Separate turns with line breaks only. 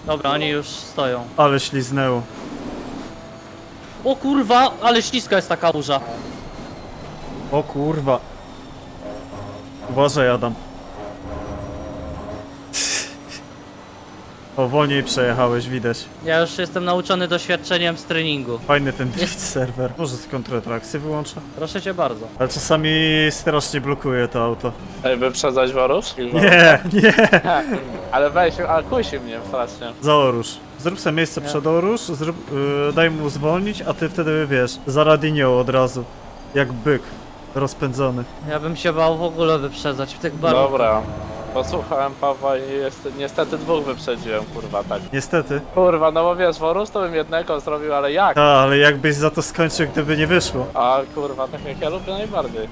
Dobra, oni już stoją.
Ale śliznęło.
O kurwa, ale śliska jest ta kałuża.
O kurwa. Uważaj, Adam. O, wolniej przejechałeś, widać.
Ja już jestem nauczony doświadczeniem z treningu.
Fajny ten drift serwer. Może z kontratrakcji wyłączę?
Proszę cię bardzo.
Ale czasami strasznie blokuje to auto.
Ej, wyprzedzać Worus?
Nie, nie!
Ale weź, ale kusi mnie strasznie.
Za Orusz. Zrób sobie miejsce przed Orusz, daj mu zwolnić, a ty wtedy wiesz, za Radinią od razu. Jak byk. Rozpędzony.
Ja bym się bał w ogóle wyprzedzać w tych barwach.
Dobra. Posłuchałem Pawła i niestety dwóch wyprzedziłem, kurwa, tak.
Niestety.
Kurwa, no bo wiesz, Worus to bym jednego zrobił, ale jak?
A, ale jakbyś za to skończył, gdyby nie wyszło.
A kurwa, tak jak ja lubię najbardziej.